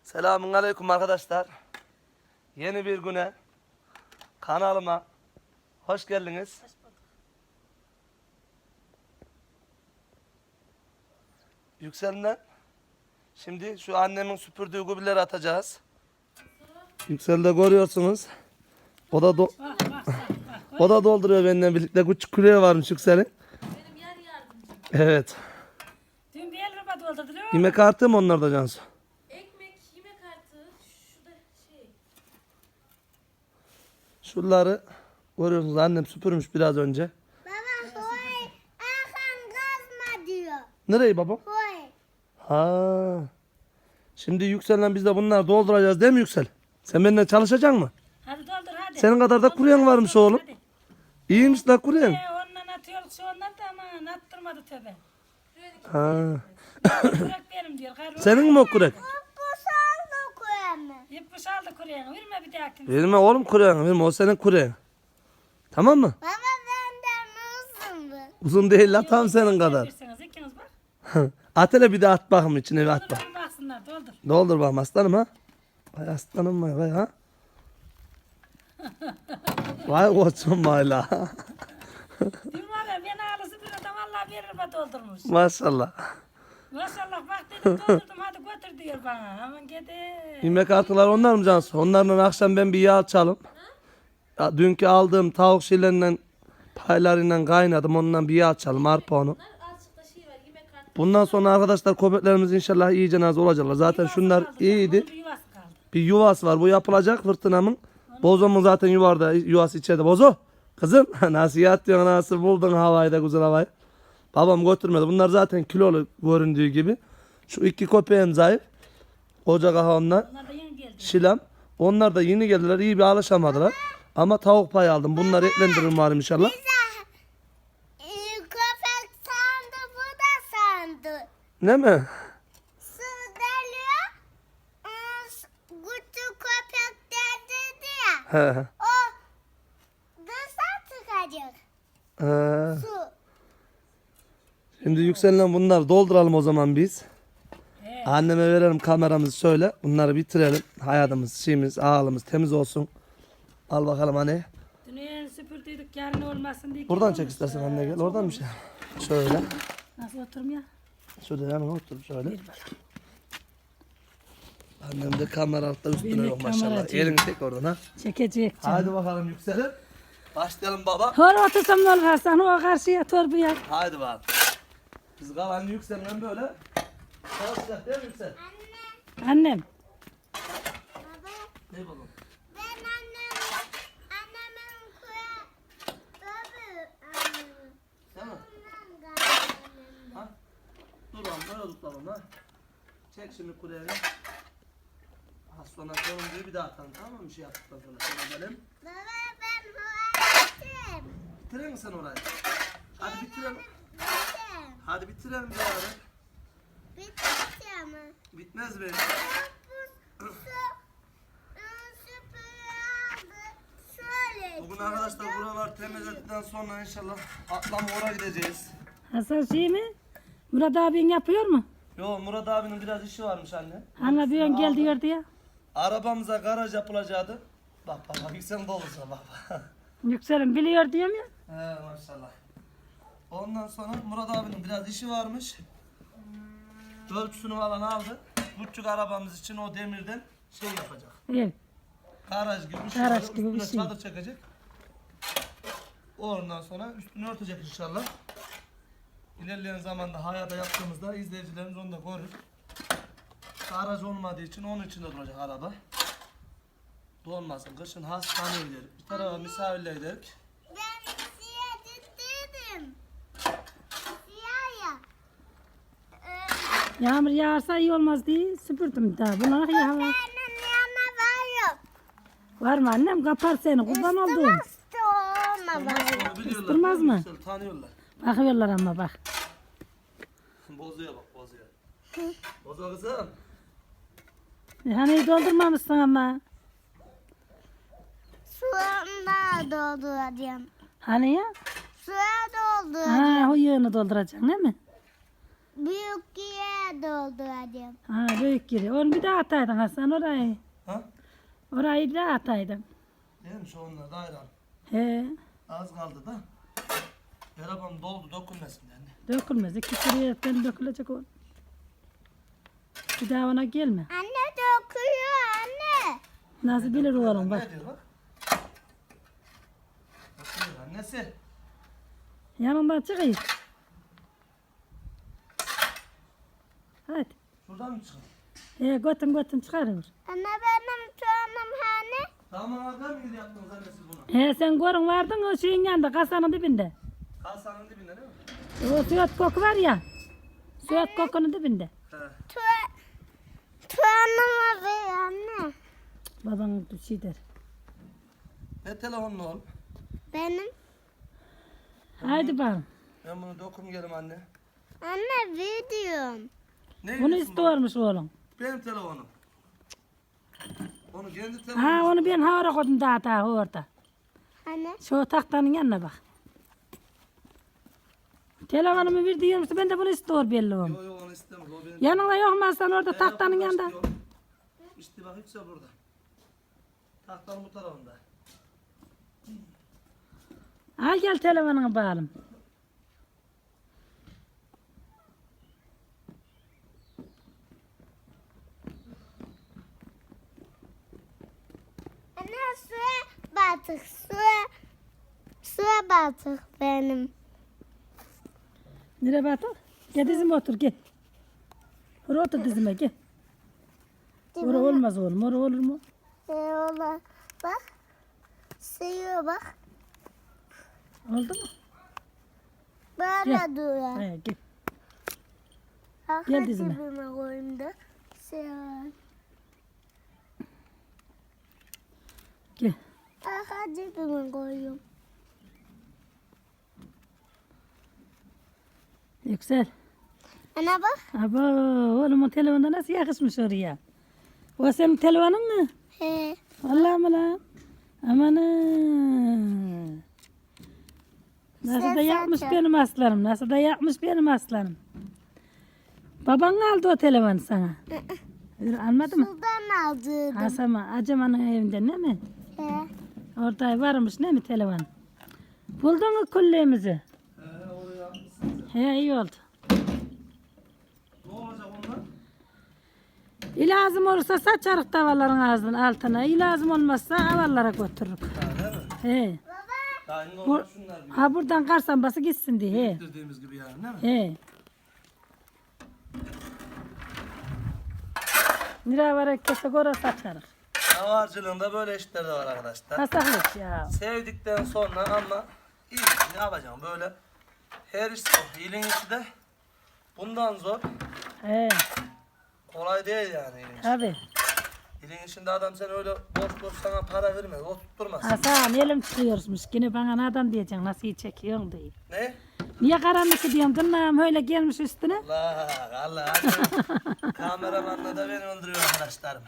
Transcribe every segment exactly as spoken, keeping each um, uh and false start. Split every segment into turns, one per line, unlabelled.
Selamun aleyküm arkadaşlar. Yeni bir güne kanalıma hoş geldiniz.
Hoş bulduk.
Yüksel'den şimdi şu annemin süpürdüğü gübreleri atacağız. Yüksel'de görüyorsunuz. O da do
Bak bak bak. bak.
o da dolduruyor benimle birlikte. Küçük küreği varmış Yüksel'in.
Benim yer yardımcım.
Evet.
Dün bir el ruba doldurdu değil mi?
Yemek artı mı onlar da Cansu?
Ekmek, yemek artı, şu da şey.
Şunları görüyorsunuz, annem süpürmüş biraz önce.
Baba hoy, Erkan kazma diyor.
Nereyi baba?
Hoy.
Ha. Şimdi Yüksel'le biz de bunları dolduracağız değil mi Yüksel? Sen benimle çalışacaksın mı?
Hadi doldur hadi.
Senin kadar da
Doldur,
kuruyan
hadi,
varmış
doldur,
oğlum.
hadi.
İyiymiş la kuruyan.
Ee, ondan atıyoruz şu ondan da aman attırmadı tövbe.
Ha.
Kurak benim diyor. Gayrı
Senin mi o kurek?
Bu saldı koyamı.
Yıpmış aldı kuruyanı. Verme bir daha kim?
Verme oğlum kuruyan, verme o senin kuruyan. Tamam mı?
Baba benden uzun bu.
Uzun değil la, tam senin kadar.
Verirseniz ikiniz bak.
At hele bir de at bakım içine bir at bak.
Doldur baksınlar doldur.
Doldur bakalım aslanım ha. Vay aslanım vay vay ha. Vay koçum vay la.
Dün var ya beni ağlısı bir adam Allah bir ruba doldurmuş.
Maşallah.
Maşallah bak dedim doldurdum hadi götür diyor bana. Aman gidi.
Yemek artılar onlar mı Cansu? Onlarla akşam ben bir yağ açalım. Ya, dünkü aldığım tavuk şeylerinden paylarıyla kaynadım. Ondan bir yağ açalım arpa onu.
Bunlar azıcık da şey var, yemek artı.
Bundan sonra arkadaşlar köpeklerimiz inşallah iyice az olacaklar. Zaten
Yuvası
şunlar
kaldı,
iyiydi.
onun bir yuvası kaldı.
Bir yuvası var. Bu yapılacak fırtınamın. Bozo'mun zaten yuvarda yuvası içeride. Bozo. Kızım nasıl yatıyorsun, nasıl buldun havayı da güzel havayı. Babam götürmedi. Bunlar zaten kilolu göründüğü gibi. Şu iki köpeğim zayıf. Koca kaha onlar.
Onlar da yeni geldi.
Şilam. Onlar da yeni geldiler. İyi bir alışamadılar. Ama tavuk payı aldım. Bunları eklendiririm var inşallah.
Ee, köpek sandı bu da sandı.
Ne mi?
Su deliyor. Ee, s- Küçük köpek dedi ya.
He. he.
O dışa çıkacak
He.
su.
Şimdi yükselen bunları dolduralım o zaman biz.
He.
Anneme verelim kameramızı şöyle. Bunları bitirelim. Hayatımız, şeyimiz, ağlımız temiz olsun. Al bakalım anne.
Dün süpürdüydük yarın olmasın diye.
Buradan
olmuş.
çek istersen anne gel. Oradan bir şey. Şöyle.
Nasıl oturum ya?
Şöyle yanına otur şöyle. Annem de kamera altta üstüne
Benim
yok maşallah.
kameracıyım.
Elini çek oradan ha.
Çekecek canım.
Hadi bakalım yükselin. Başlayalım baba.
Hor otursam ne olur Hasan? O karşıya torbuya.
Haydi bakalım. Biz kalan yükselen böyle. Çalışacak değil mi yüksel?
Annem.
Baba
Ne bakalım?
ben annem annemin kuya tabii annem.
Değil mi?
Bundan galiba.
Ha? Dur oğlum böyle tutalım ha. Çek şimdi kuleyi. Az sonra sorumluyu bir daha atalım, tamam mı? Bir şey yaptıktan sonra. Şöyle edelim.
Baba ben huayettim.
Bitirelim mi sen orayı? Hadi bitirelim.
Bittim.
Hadi bitirelim bir ara.
Bitti ama.
Bitmez be.
Bu su ıı, süpürge aldı. Şöyle.
Bugün arkadaşlar buralar temizledikten sonra inşallah atlama oraya gideceğiz.
Hasan şey mi? Murat abin yapıyor mu?
Yo, Murat abinin biraz işi varmış anne.
Anla bir ön gel
Aldı.
diyor diye.
Arabamıza garaj yapılacaktı. Bak bak bak yükselin dolursa bak bak.
Yükselin biliyor diyorum ya.
He maşallah. Ondan sonra Murat abinin biraz işi varmış. Ölçüsünü falan aldı. Küçük arabamız için o demirden şey yapacak.
Evet.
Garaj gibi bir şey.
Garaj
olacak.
gibi bir
Üstüne
şey.
çadır çekecek. Ondan sonra üstünü örtecek inşallah. İlerleyen zamanda hayata yaptığımızda izleyicilerimiz onu da görür. Garaj olmadığı için onun içinde duracak araba. Donmasın. Kışın hastaneye gidelim. Bir tarafa misafirle gidelim.
Ben siyah dedim. Siyah ya. Ee,
Yağmur yağarsa iyi olmaz diye süpürdüm daha. Bunlar yağar.
Benim yanına var yok.
Var mı annem? Kapar seni. Kurban oldum.
Isırmazsa olma var yok.
Onu biliyorlar.
Isırmaz mı?
Yüksel, tanıyorlar.
Bakıyorlar ama bak.
Bozuyor bak bozuyor. Bozuyor kızım.
Hani doldurmamışsın ama.
Suya dolduracağım.
Hani ya?
Suya dolduracağım.
Ha, o yağını dolduracaksın değil mi?
büyük yere dolduracağım.
Ha büyük giri. Onu bir daha ataydın Hasan orayı.
Ha?
Orayı bir daha ataydın.
Değil mi şu onlar da ayran.
He.
Az kaldı da. Arabam doldu dokunmasın yani.
Dökülmez. İki sürüye ben dökülecek o. Bir daha ona gelme.
Anne dokuyor anne.
Nasıl bilir oğlum bak.
Ne diyor bak? Bakıyor annesi.
Yanından çıkayım. Hadi.
Şuradan mı çıkın?
He götün götün çıkarır.
Anne benim çoğunum hani.
Tamam arkadaşlar mı gidiyor yaptınız annesi bunu?
He sen görün vardın o şeyin yanında kasanın dibinde.
Kalsanın dibinde değil mi?
O sürat koku var ya. Sürat kokunun dibinde.
He.
Çoğunuma ver anne.
Baban bir şey der.
Ne telefonun oğlum?
Benim.
Haydi bakalım.
Ben bunu dokum gelim anne.
Anne videom.
Ne
Bunu
diyorsun
istiyormuş oğlum.
baba? Benim telefonum. Onu kendi
Ha
telefonum.
onu ben havara koydum daha daha orada.
Anne.
Şu tahtanın yanına bak. Telefonumu ver diyormuş ben de bunu istiyor belli oğlum.
Yok yok onu istemez. O benim.
Yanında yok mu sen orada
Ben
tahtanın
yokum,
yanında?
işte yok. İşte bak hepsi burada. Tahtanın bu tarafında.
Al gel telefonunu bağalım.
Anne suya batık suya. Suya batık benim.
Nereye batır? Gel dizime otur gel. Oraya otur dizime gel. Oraya olmaz oğlum. Oraya olur mu?
Ee, ola bak. Suya bak.
Oldu mu?
Böyle
Gel.
duruyor.
He, gel.
Arka
Gel dizime.
cebime koyayım da. Suya.
Gel.
Arka cebime koyuyorum.
Yüksel.
Ana bak.
Abo oğlumun telefonda nasıl yakışmış oraya? O senin telefonun mu?
He.
Vallahi mı lan? Aman ha. Nasıl da
Ses
yapmış
açar.
benim aslanım. Nasıl da yapmış benim aslanım. Baban aldı o telefonu sana. Yürü, almadı mı?
Sudan aldırdım.
Asama Aceman'ın evinde ne mi?
He.
Orada varmış ne mi telefon? Buldun mu kulleğimizi?
He oraya yapmışsın.
He iyi oldu.
Ne olacak onlar?
İlazım olursa saçarık tavalların ağzının altına. İlazım olmazsa avallara götürürük.
Ha değil mi?
He.
Daha şimdi
Bu,
onlar şunlar gibi.
ha buradan karsan bası gitsin diye. He.
Dediğimiz gibi yani değil mi?
He. Nira var herkese göre saçarık.
Davarcılığında böyle işler de var arkadaşlar.
Kasaklık ya.
Sevdikten sonra ama iyi ne yapacağım böyle her iş zor. İlin işi de bundan zor.
He.
Kolay değil yani ilin işi.
Tabi.
İlin işinde adam sen öyle boş boş sana para vermez. O tutturmaz.
Hasan elim çıkıyormuş. Yine bana nereden diyeceksin nasıl iyi çekiyorsun diye.
Ne?
Niye karanlık diyorsun? Tırnağım öyle gelmiş üstüne.
Allah Allah. Kameramanla da beni öldürüyor arkadaşlarım.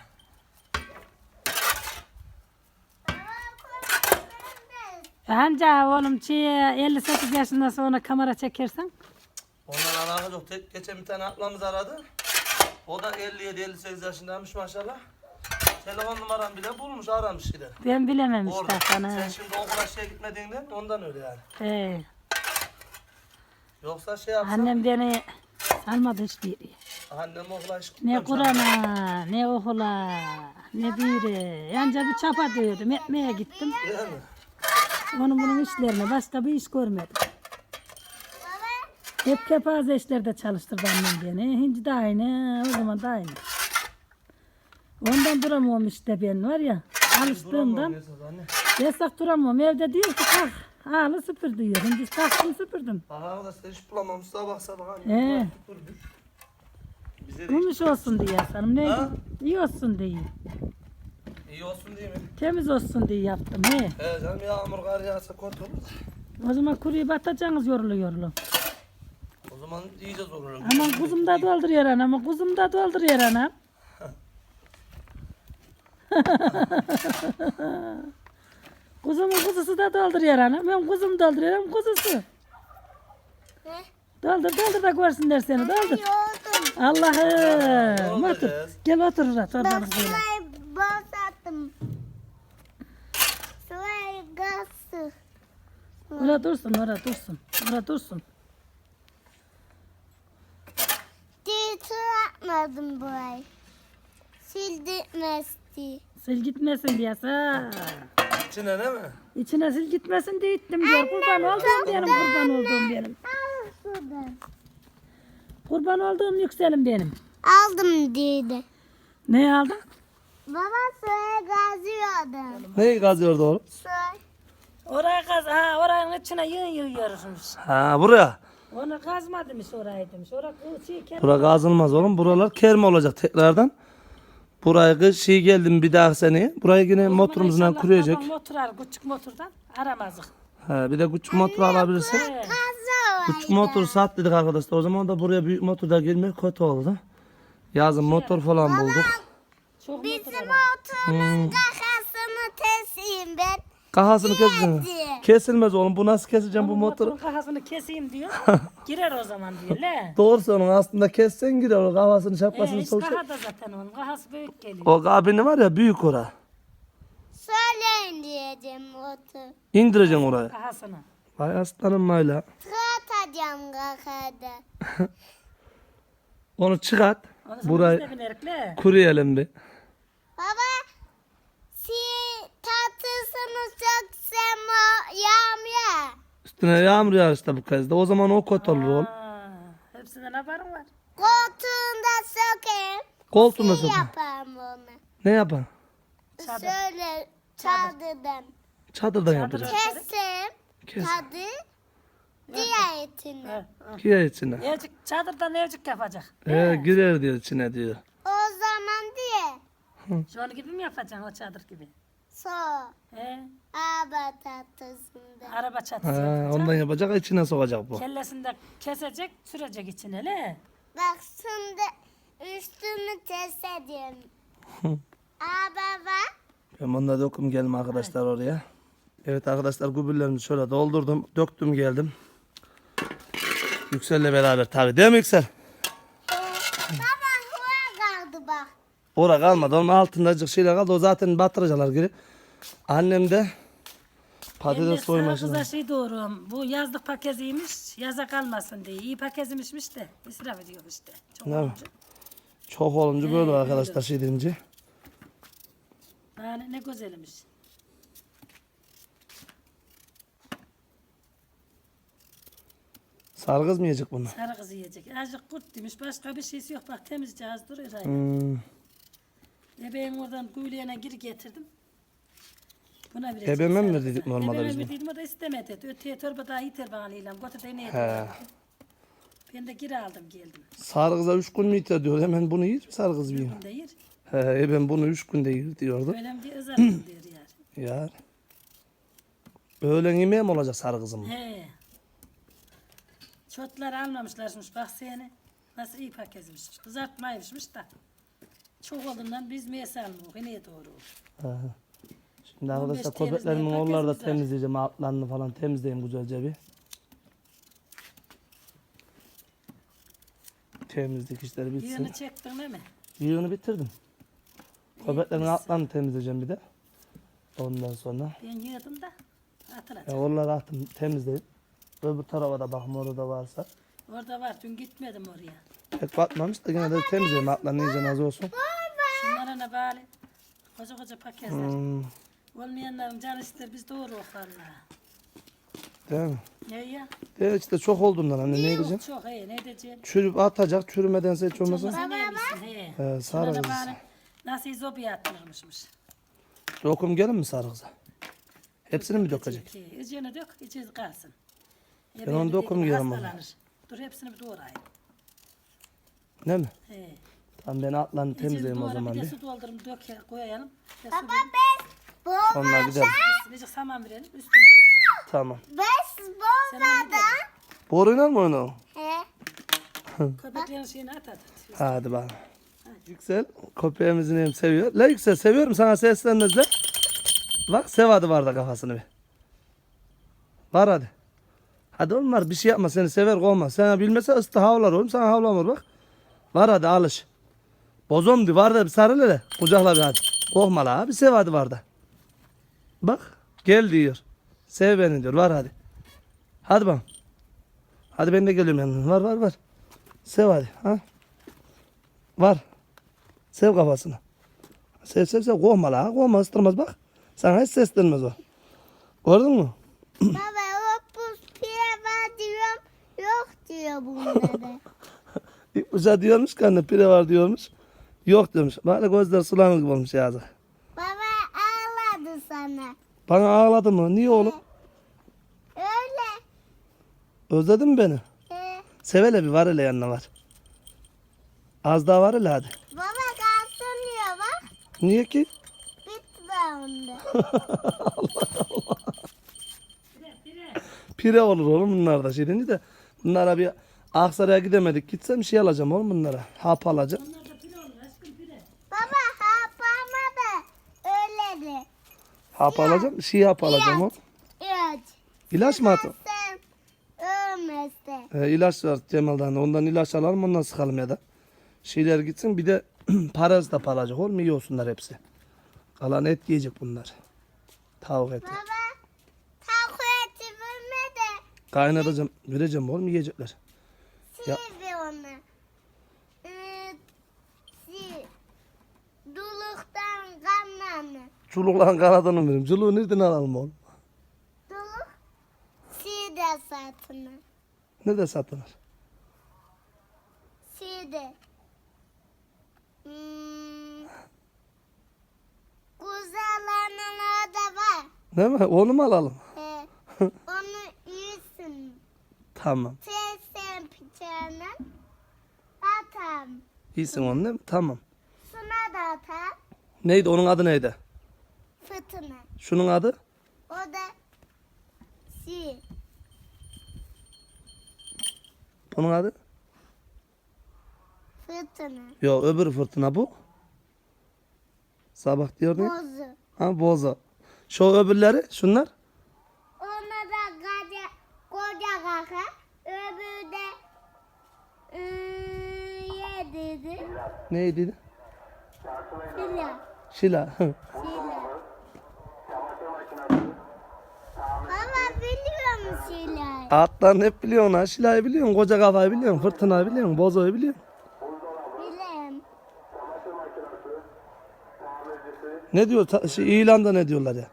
Anca oğlum şey, elli sekiz yaşından sonra kamera çekersen.
Ondan alakası yok. Tek, geçen bir tane ablamız aradı. O da elli yedi elli sekiz yaşındaymış maşallah. Telefon numaram bile bulmuş aramış gider.
Ben bilemem
Orada.
işte sana.
Sen şimdi okula şeye gitmediğinden ondan öyle yani.
He.
Yoksa şey yapsam
Annem beni salmadı hiçbir yere.
annem okula hiç
Ne
gitmemiş.
Kur'an'a, ne okula, ne biri. Yanca bir çapa diyordum, ekmeğe gittim.
Değil mi?
Onun bunun işlerini, başka bir iş görmedim. Hep kepaze işlerde çalıştırdı annem beni. Hinci de aynı, o zaman da aynı. Ondan duramıyorum işte ben var ya, alıştığımdan.
Duramam esas anne.
Yasak duramıyorum, evde diyor ki kalk, ağlı süpür diyor. Hindi kalktım süpürdüm.
Bak arkadaşlar hiç bulamamış sabah sabah anne.
He.
Durmuş. Bize de
Gümüş olsun diye sanırım, ne
Ha?
iyi olsun diye.
iyi olsun değil mi?
Temiz olsun diye yaptım he.
He canım yağmur kar yağsa kötü olur.
O zaman kuruyu batacaksınız yorulu yorulu.
O zaman iyice zor olur.
Aman kuzum da dolduruyor anam, ama kuzum da dolduruyor anam. Kuzumun kuzusu da dolduruyor anam. Ben kuzum dolduruyorum kuzusu.
Ne?
Doldur doldur da görsünler seni doldur.
Yoldum.
Allah'ım otur. Gel otur orada
Bak
torbanı böyle.
sulayı bozattım. Sulayı gazı.
Orada dursun orada dursun. Orada dursun.
Diye tur atmadım burayı. Sildirmezdi.
Sil gitmesin diye sağ.
İçine değil mi?
İçine sil gitmesin diye ittim diyor. Kurban olduğum benim kurban olduğum benim.
Al sudan.
Kurban olduğum yükselim benim.
Aldım dedi.
Ne aldın?
Baba suya gazıyordum.
Neyi kazıyordu oğlum?
Suya.
Oraya kaz, ha oranın içine yığın yığıyorsunuz.
Ha buraya.
Onu kazma demiş orayı demiş. Orası şey kendi.
Bura kazılmaz oğlum. Buralar kerme olacak tekrardan. Buraya kış şey geldim bir daha seneye. Burayı yine motorumuzdan kuruyacak.
Motor al, küçük motordan aramazdık.
Ha, bir de küçük motor alabilirsek.
He.
Gazı var.
Küçük motor sat dedik arkadaşlar. O zaman da buraya büyük motor da gelmek kötü oldu. Yazın motor falan bulduk.
Çok
Bizim
motor alalım.
oturun kakasını teslim ben.
Kahasını keseceğim.
Hadi.
Kesilmez oğlum. Bu nasıl keseceğim bu
Onun
motoru?
motorun kafasını keseyim diyor. Girer o zaman diyor. Le.
Doğru onun aslında kessen girer o kafasını
Ee,
şapkasını
hiç
sokacak.
kaha da zaten onun. Kafası büyük geliyor.
O kabini var ya büyük ora.
Söyleyin diyeceğim otur.
İndireceksin oraya.
Kahasını.
Vay aslanım mayla.
Tratacağım kakada.
Onu çıkart.
Onu sonra
Burayı
biz de binerik le.
kuruyalım bir.
Baba si tatlısını çok sevme yağmur.
Üstüne yağmur yağar işte bu kez de. O zaman o kötü olur oğlum.
Aa, hepsinden haberin var.
Koltuğunda sökeyim.
Koltuğunda
Si
sokun.
yaparım onu.
Ne yapar?
Çadır.
Şöyle çadırdan.
Çadırdan yapacak.
Keseyim.
Kes.
Tadı diğer etini.
He, he.
Girer içine.
Evcik, çadırdan evcik yapacak.
Ee, girer diyor içine diyor.
O zaman diye
Şu an gibi mi yapacaksın o çadır gibi?
so
He,
aba tatlısında.
araba çatısı
Ha,
yapacak.
ondan yapacak içine sokacak bu.
Kellesini de kesecek, sürecek içine le.
Bak şimdi üstünü test ediyorum. Aa baba.
Ben bununla döküm gelme arkadaşlar oraya. Evet arkadaşlar gübürlerimi şöyle doldurdum. Döktüm geldim. Yüksel'le beraber tabii değil mi Yüksel?
Baba hava kaldı bak.
Ora kalmadı. Onun altında azıcık şeyler kaldı. O zaten batıracaklar geri. Annem de patates soymasını.
Kıza şey doğru. Bu yazlık paketiymiş. Yaza kalmasın diye. İyi paketiymişmiş de. İsraf ediyor işte. Çok
Ne mi?
olunca.
Çok olunca böyle arkadaşlar şey deyince.
Yani ne güzelmiş.
Sargız mı yiyecek bunu?
Sarı kızı yiyecek. Azıcık kurt demiş. Başka bir şeysi yok. Bak temizce az duruyor. aynı.
Hmm.
Ebeğin oradan kuyuluğuna giri getirdim. Buna bir
Ebeme mi verdiydik normalde biz
Ebeme
bunu?
verdiydim o da istemedi. Öteye torba daha yeter bana ilan. Götür de neydi?
He.
Ben de geri aldım geldim.
Sargıza üç gün mü yeter diyor. Hemen bunu yer mi sargız bir?
Ben de yer.
He, e ben bunu üç günde yer diyordu.
Öyle diye ızardım diyor yani.
Ya. Öğlen yemeği mi olacak sargızım?
He. Çotlar almamışlarmış bak seni. Nasıl iyi paketmiş. Kızartmaymışmış da. Çok olduğundan biz meyse almıyoruz. Yine doğru.
He. Şimdi
on beş
arkadaşlar
temizliğe
köpeklerimin onları da
paketimiz var.
temizleyeceğim. Altlarını falan temizleyeyim güzelce bir. Temizlik işleri bitsin.
Yığını çektin değil mi?
Yığını bitirdim. Köpeklerin altlarını temizleyeceğim bir de. Ondan sonra.
Ben yığdım da atılacak.
Ya onları attım temizleyip. Öbür tarafa da bakma orada da varsa.
Orada var dün gitmedim oraya.
Pek batmamış da yine de temizleyeyim altlarını iyice az olsun.
Şunlara ne bari. Koca koca paketler.
Hmm,
Olmayanların canı ister biz doğru valla.
değil mi?
Ne ya?
Evet işte çok olduğundan anne ne diyeceğim?
Çok çok he ne diyeceğim?
Çürüp atacak çürümedense hiç olmasın.
Olmasa ne yemişsin he.
He,
Şunlara
sarı kız.
bari nasıl izobiye atılırmışmış.
Dokum gelin mi sarı kıza? Hepsini mi dökecek?
İçine dök, içi kalsın. E,
Ben onu
benim
dokum
dediğim
yiyorum ama.
hastalanır. Dur hepsini bir doğrayayım.
Ne mi?
He.
Tamam ben altlarını
İçini
temizleyeyim o
doğra,
zaman
bir de
bir.
su doldurup dök, koyalım. Bir de su
Baba
verelim.
bez bu
Onlar gider.
Üstüne saman verelim, üstüne verelim.
Tamam.
bez
Sen onu
bozmadan.
Boruyla mı oynuyor?
He.
Köpeklerin şeyini at at.
Hadi bakalım. Yüksel köpeğimizin hem seviyor. La Yüksel seviyorum sana seslenmezler. Bak sev hadi var da kafasını bir. Var hadi. Hadi oğlum var bir şey yapma seni sever kovma. Sana bilmese ıstı havlar oğlum sana havlamır bak. Var hadi alış. Bozom di var da bir sarıl hele. Kucakla bir hadi. Korkma la bir sev hadi var da. Bak gel diyor. Sev beni diyor var hadi. Hadi bak. Hadi ben de geliyorum yanına. Var var var. Sev hadi. Ha? Var. Sev kafasını. Sev sev sev. Korkma la. Korkma ıstırmaz bak. Sana hiç seslenmez o. Gördün mü?
Baba o buz pire var diyorum. Yok diyor bunları.
İlk başta diyormuş ki anne pire var diyormuş. Yok diyormuş. Böyle gözler sulanır gibi olmuş yazık.
Baba ağladı sana.
Bana ağladı mı? Niye oğlum?
Öyle.
Özledin mi beni?
Ee,
Sev hele bir var hele yanına var. Az daha var hele hadi.
baba kalsın diyor bak.
Niye ki?
Bitme onda.
Pire olur oğlum bunlar da şimdi de. Bunlara bir Aksaray'a gidemedik. Gitsem şey alacağım oğlum bunlara. Hap alacağım.
Baba hapama da öyle de.
Hap alacağım. Şey hap alacağım oğlum.
Evet.
İlaç mı atın?
Sen ölmezse.
Ee, ilaç var Cemal'dan. Ondan ilaç alalım ondan sıkalım ya da. Şeyler gitsin bir de parazit hap alacak oğlum iyi olsunlar hepsi. Kalan et yiyecek bunlar. Tavuk eti.
Baba tavuk eti verme de.
Kaynatacağım. Vereceğim oğlum yiyecekler. Ya.
Sivi onu. Ee, si. Duluktan kanlanı.
Çulukların kanadını vereyim. Çuluğu nereden alalım oğlum?
Duluk. Si de satını.
Ne de satılır?
Si de. Hmm. Kuzalarının orada var.
Değil mi? Onu mu alalım?
Ee, onu yiyorsun.
Tamam.
Sen sen bıçağına atam.
İyisin onu değil mi? Tamam.
Suna da atam.
Neydi onun adı neydi?
Fırtına.
Şunun adı?
O da si.
Bunun adı?
Fırtına.
Yok öbür fırtına bu. Sabah diyor ne?
Bozu.
Ha boza. Şu öbürleri şunlar.
Ona da koca, koca kaka. Öbürü de ıı, yediydi.
Neydi?
Fila.
Şila.
Fila. Baba biliyor musun Şila'yı?
Atlarını hep biliyorsun ha. Şila'yı biliyorsun. Koca kafayı biliyorsun. Fırtınayı biliyorsun. Bozayı biliyorsun.
Bilem.
Ne diyor? Ta- şey, ilanda ne diyorlar ya?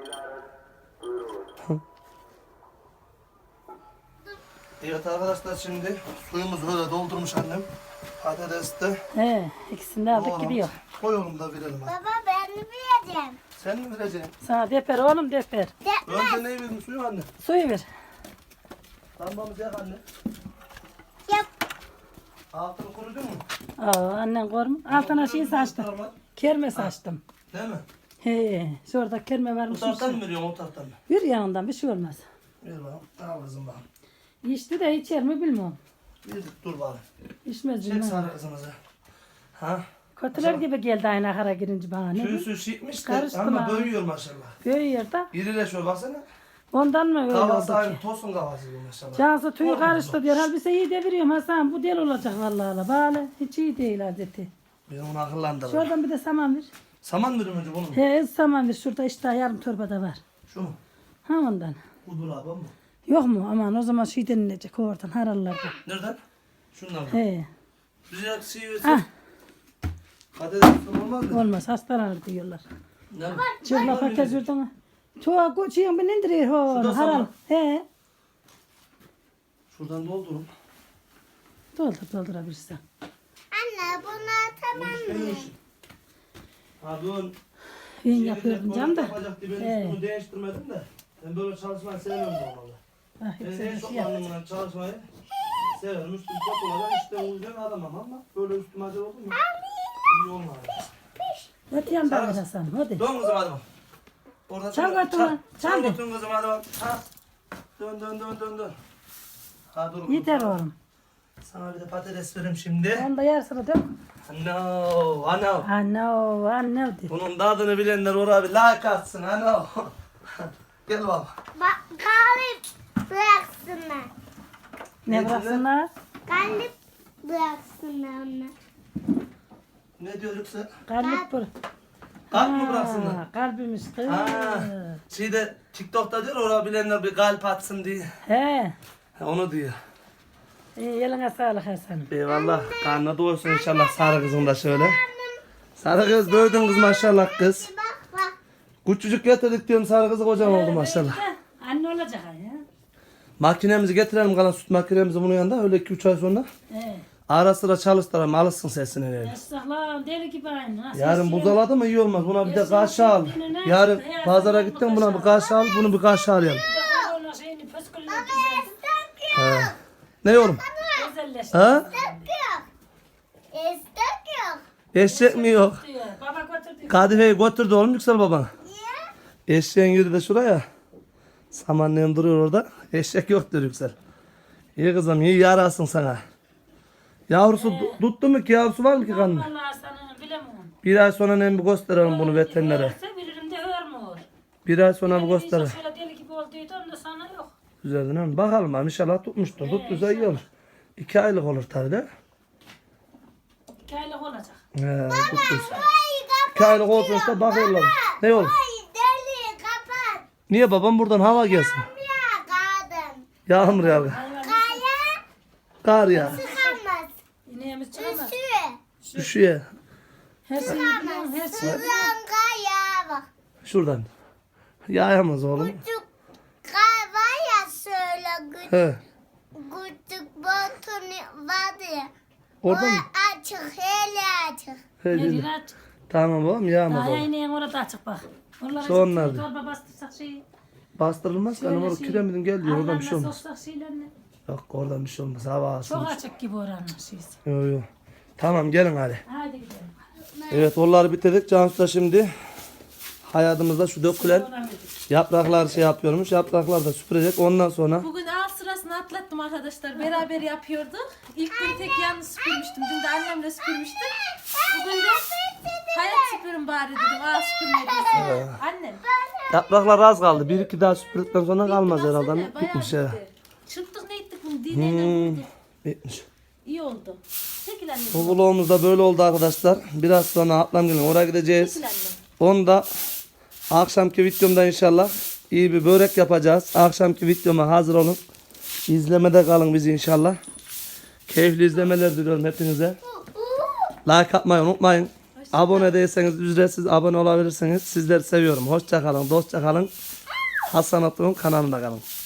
Evet arkadaşlar şimdi suyumuzu böyle doldurmuş annem. Patates de
He, ikisini de aldık gidiyor.
koyalım da verelim hadi.
Baba ben mi bileceğim?
Sen mi vereceksin?
Sana deper oğlum deper.
Yapmaz.
Önce neyi verin suyu anne?
Suyu ver.
Lambamızı yak anne.
Yap.
Altını kurudun mu?
Aa, annen kormu. Altına şey saçtım.
Var.
Kerme saçtım.
Değil mi?
He, şurada kerme
Bu
varmış.
taraftan mı veriyorsun o taraftan mı?
Bir yanından bir şey olmaz.
Ver bakalım. Al kızım bakalım.
İçti de içer mi bilmiyorum.
Bir dur bakalım.
İçmez
Çek
bilmem.
sarı kızımızı. Ha?
Kötüler gibi geldi aynı ahara girince bana. Ne?
Tüysü şişmiş de
Karıştı
ama
mı?
büyüyor maşallah.
Büyüyor da.
İrileşiyor baksana.
Ondan mı öyle
Kafası
oldu ki?
aynı tosun kafası gibi maşallah.
Cansı tüyü
Korkma
karıştı
bak.
diyor. Halbuki iyi deviriyorum Hasan. Bu del olacak vallahi. la. Bale hiç iyi değil adeti.
Ben onu akıllandırırım.
Şuradan bir de saman ver.
Saman verim önce bunu mu?
He saman ver. Şurada işte yarım torbada var.
Şu mu?
Ha ondan.
Bu dolabı mı?
Yok mu? Aman o zaman şey denilecek oradan harallarda.
Nereden? Şundan mı?
He.
Bize sivi
Ah
patates olmaz mı?
olmaz hastalanır diyorlar.
Ne?
Çırla patates verdin mi? Çoğu koçuyor ben indiriyor
Şurada
hor. Haral.
saman.
He.
Şuradan doldurun.
Doldur doldurabilirsen.
Anne bunu atamam mı?
Ha dün
Ben yapıyordum canım da.
yapacaktı, ben
He.
üstümü değiştirmedim de. Ben böyle çalışmayı sevmiyorum normalde.
Ah,
Ben
hep
en
sen
çok
şey yap.
anlamına çalışmayı severim. Üstüm çok olacak işte uyuyacak aramam ama böyle üstüm acı oldu mu? İyi olmaz.
Hadi yandan ver Hasan hadi.
Dön kızım hadi bak. Orada
Çal
çal,
götürme,
çal,
çal
çal
de.
götürün kızım hadi bak. Ha. Dön dön dön dön dön. Ha dur.
Yeter
kızım.
oğlum.
Sana bir de patates vereyim şimdi.
Onu da yarısını dök.
No, ano.
Anne anne de.
Bunun tadını bilenler oraya bir like atsın ano. Gel baba.
Bak kahve bıraksınlar.
Ne bıraksınlar?
Kalp bıraksınlar onu.
Ne diyor Yüksel?
Kalp bırak.
Kalp mı bıraksınlar?
Ha, kalbimiz kız.
Ha, şeyde TikTok'ta diyor orada bilenler bir kalp atsın diye.
He.
Ha, onu diyor.
İyi, eline sağlık Hasan.
Eyvallah. Karnına doysun inşallah sarı kızın da şöyle. Sarı kız doydun kız maşallah kız.
Bak bak.
Küçücük getirdik diyorum sarı kızı kocam oldu maşallah.
Anne olacak ha ya.
Makinemizi getirelim kalan süt makinemizi bunun yanında öyle iki üç ay sonra.
He.
Ara sıra çalıştıralım alışsın sesini öyle.
Estağfurullah deli gibi aynı. Nasıl
Yarın
istiyor?
buzaladı mı iyi olmaz. Buna bir de kaşığı al. Yarın pazara gittin buna bir kaşığı al. Bunu bir kaşığı al yani.
Bir de korona şeyini, püskülünü güzel.
He. Ne oğlum?
Özelleşti.
Ha?
Yok. İstek yok.
Eşek mi yok?
Diyor. Baba götürdü.
Kadife'yi götürdü oğlum Yüksel baban.
Niye?
Eşeğin yürü de şuraya. Samanlığın duruyor orada. Eşek yok diyor Yüksel. İyi kızım iyi yarasın sana. Yavrusu du- tuttu mu ki yavrusu var mı ki kanında?
Vallahi sana bilemem.
Bir ay sonra ne bir gösterelim bunu veterinere.
Ölse bilirim de örmüyor.
Bir ay sonra bir gösterelim.
Şöyle deli gibi olduydu onda sana yok.
Güzel değil mi? Bakalım abi inşallah tutmuştur. Tuttuysa iyi olur. İki aylık olur tabii de.
İki aylık olacak.
He, tuttuysa.
Ay
İki
kapat.
aylık olursa bakıyorlar. Ne olur?
Ay deli kapat.
Niye babam buradan hava gelsin?
Ya kadın.
Yağmur yağıyor.
Kaya
Kar ya.
çıkamaz.
İneğimiz çıkamaz.
Üstü.
Düşüyor.
Her şeyi biliyorum, her şeyi.
Sızan kaya bak.
Şuradan. Yağamaz oğlum.
Küçük kay var ya şöyle küçük,
He.
küçük botunu var ya.
Orada
O
mı?
açık, hele açık.
He,
Ne
dedi.
diyor aç?
Tamam babam yağmaz
Daha
oğlum.
ineğin orada açık bak. Onlara
Şu onlar
işte
da.
torba bastırsak şeyi.
Bastırılmaz ki. Hani orada kiremitin gel diyor. Oradan bir şey olmaz.
soksak şeylerini.
Yok oradan bir şey olmaz. Hava
Çok
alsın.
açık gibi oranın şeysi.
Yok yok. Tamam gelin hadi.
Haydi gidelim.
Evet onları bitirdik. Cansu da şimdi hayatımızda şu dökülen
Oradan gidelim.
yapraklar şey yapıyormuş. Yapraklar da süpürecek. Ondan sonra
Bugün ağ sırasını atlattım arkadaşlar. Beraber yapıyorduk. İlk gün tek yalnız süpürmüştüm. Dün de annemle süpürmüştüm. Bugün de hayat süpürün bari dedim. Ağ süpürmediyse. Annem.
yapraklar az kaldı. Bir iki daha süpürdükten sonra kalmaz
Baksana,
herhalde.
bayağı
Bitmiş ya.
bitti. Çırptık ne ettik bunu dineyle
Hmm,
vurduk.
bitmiş.
İyi oldu. Çekil annem.
Bu vlogumuz da böyle oldu arkadaşlar. Biraz sonra ablam gelin oraya gideceğiz.
Çekil annem.
Onu da akşamki videomda inşallah iyi bir börek yapacağız. Akşamki videoma hazır olun. İzlemede kalın bizi inşallah. Keyifli izlemeler diliyorum hepinize. Like atmayı unutmayın. Abone değilseniz ücretsiz abone olabilirsiniz. Sizleri seviyorum. Hoşça kalın, dostça kalın. Hasan Atlı'nın kanalında kalın.